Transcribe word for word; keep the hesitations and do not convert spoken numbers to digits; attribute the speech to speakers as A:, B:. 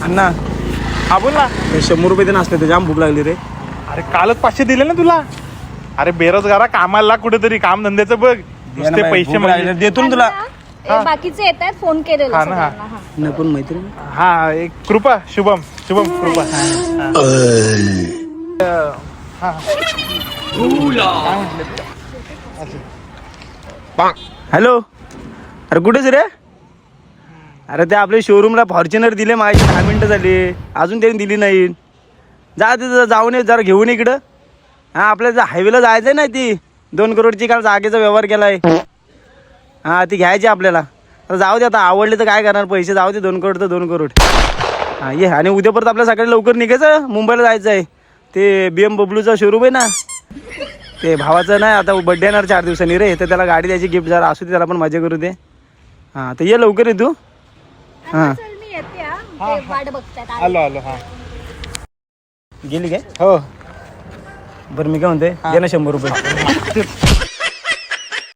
A: अण्णा
B: हा बोल ना.
A: हे शंभर रुपये ते नसते ते जाम भूक लागली रे.
B: अरे कालच पाचशे दिले ना तुला. अरे बेरोजगारा कामाला लाग कुठेतरी, काम धंद्याचं बघ. नुसते पैसे म्हणजे
A: देतो ना तुला.
C: ए, बाकीचे येत आहेत फोन केलेला
B: हा ना, हा.
C: सगळ्यांना, हा.
A: नाही पण मैत्रीण
B: हा एक कृपा शुभम शुभम कृपा. हा.
A: हॅलो. अरे कुठेच रे. अरे ते आपले शोरूमला फॉर्च्युनर दिले माझी दहा मिनटं झाली, अजून त्यांनी दिली नाही. जा तिथं जाऊन ये जरा घेऊन इकडं. हां आपल्याला हायवेला जायचं आहे ना, ती दोन करोडची काल जागेचा व्यवहार केला आहे. हां ती घ्यायची आपल्याला. तर जाऊ दे आता, आवडले तर काय करणार, पैसे जाऊ दे, दोन करोड तर दोन करोड. हां ये. आणि उद्या परत आपल्या सकाळी लवकर निघायचं, मुंबईला जायचं आहे. ते बी एम डब्ल्यूचा शोरूम आहे ना, ते भावाचं नाही आता बड्डे येणार चार दिवसांनी रे, तर त्याला गाडी द्यायची गिफ्ट जरा असू दे, त्याला पण मजा करू दे. हां तर ये लवकर ये तू. हां
C: चल मी येते हा. ते वाट बघतायत.
B: आलो आलो. हा
A: गेली काय?
B: हो.
A: बरं मी काय म्हणते, दे ना शंभर रुपये.